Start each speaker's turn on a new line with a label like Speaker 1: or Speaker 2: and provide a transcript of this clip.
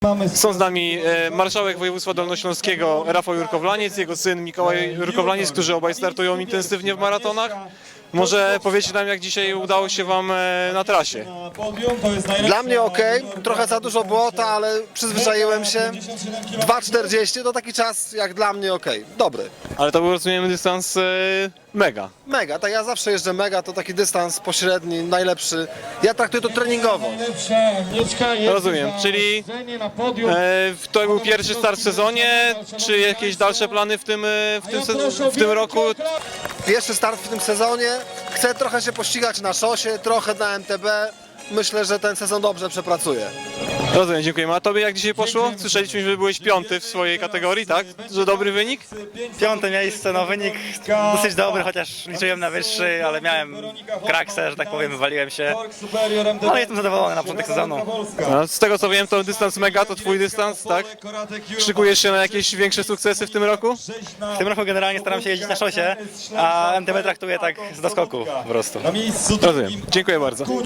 Speaker 1: Są z nami marszałek województwa dolnośląskiego Rafał Jurkowlaniec, jego syn Mikołaj Jurkowlaniec, którzy obaj startują intensywnie w maratonach. Może powiecie nam, jak dzisiaj udało się wam na trasie?
Speaker 2: Dla mnie ok, trochę za dużo błota, ale przyzwyczaiłem się. 2,40 to taki czas jak dla mnie ok, dobry.
Speaker 1: Ale to był, rozumiem, dystans mega.
Speaker 2: Mega, tak ja zawsze jeżdżę mega, to taki dystans pośredni, najlepszy. Ja traktuję to treningowo.
Speaker 1: Rozumiem, czyli to był pierwszy start w sezonie, czy jakieś dalsze plany w tym roku?
Speaker 2: Pierwszy start w tym sezonie, chcę trochę się pościgać na szosie, trochę na MTB. Myślę, że ten sezon dobrze przepracuję.
Speaker 1: Rozumiem, dziękujemy. A tobie jak dzisiaj poszło? Słyszeliśmy, że byłeś 5. w swojej kategorii, tak? Że dobry wynik?
Speaker 3: 5. miejsce, no wynik dosyć dobry, chociaż liczyłem na wyższy, ale miałem kraksę, że tak powiem, wywaliłem się. No jestem zadowolony na początek sezonu.
Speaker 1: A z tego co wiem, to dystans mega to twój dystans, tak? Szykujesz się na jakieś większe sukcesy w tym roku?
Speaker 3: W tym roku generalnie staram się jeździć na szosie, a MTB traktuję tak z doskoku po prostu.
Speaker 1: Rozumiem. Dziękuję bardzo.